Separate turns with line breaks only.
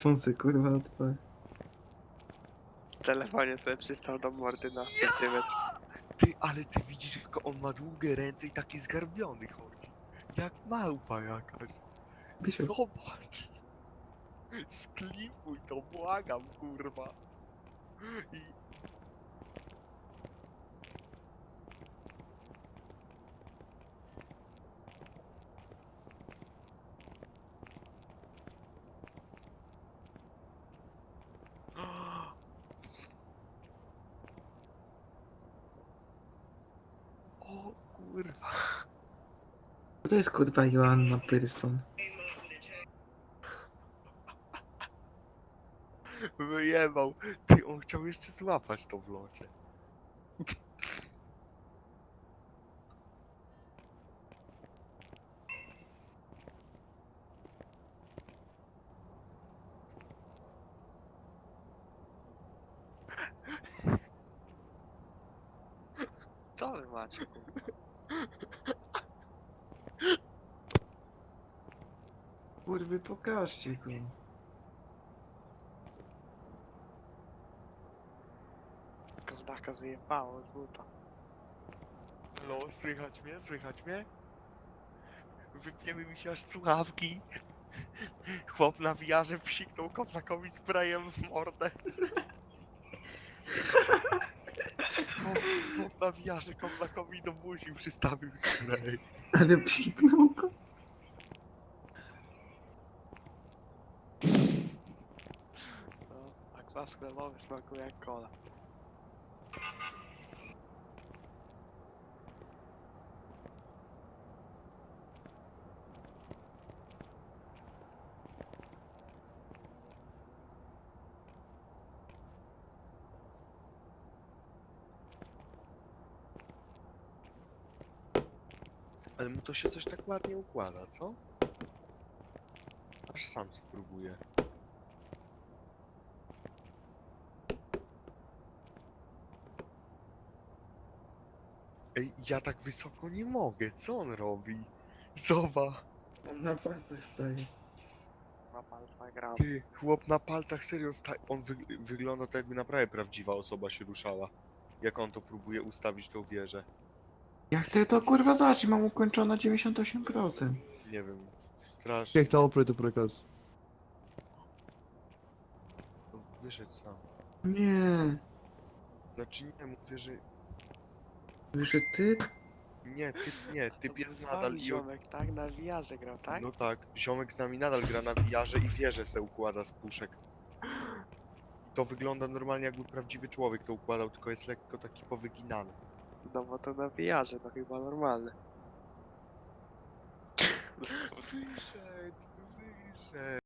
Fonsy kurwa odpal.
W telefonie sobie przystał do mordy na centymetr.
Ty, ale ty widzisz, jak on ma długie ręce i taki zgarbiony chodzi. Jak małpa jakaś.
Wisiał.
Zobacz. Sklipuj to, błagam, kurwa. I... O kurwa.
To jest kurwa Joanna Pearson.
Wyjebał. Ty, on chciał jeszcze złapać to w locie.
Co wy macie, kurwa?
Kurwy, pokażcie go.
Kozdaka wyjebało z buta.
Halo, słychać mnie? Słychać mnie? Wypięły mi się aż słuchawki. Chłop na wiarze psiknął koplakowi sprayem w mordę. Chłop na wiarze koplakowi do buzi przystawił spray.
Ale psiknął go.
No, a kwas chlebowy smakuje jak cola.
Ale mu to się coś tak ładnie układa, co? Aż sam spróbuję. Ej, ja tak wysoko nie mogę, co on robi? Zobacz,
On na palcach staje.
Na palcach gram.
ty, chłop na palcach serio on wygląda tak, jakby naprawdę prawdziwa osoba się ruszała. Jak on to próbuje ustawić tą wieżę.
Ja chcę to kurwa zacząć, mam ukończone 98%.
Nie wiem, strasznie.
Kick the operator breakers.
No, wyszedł sam.
Nie.
Znaczy nie, mówię, że...
Wyszedł ty?
Nie,
To
typ
był
jest
z
nadal
wami
i...
ziomek, tak? Na wiarze grał, tak?
No tak, ziomek z nami nadal gra na wiarze i wieżę se układa z puszek. To wygląda normalnie, jakby prawdziwy człowiek to układał, tylko jest lekko taki powyginany.
No bo to na wiarze, to chyba normalne.
Wyszedł, wyszedł.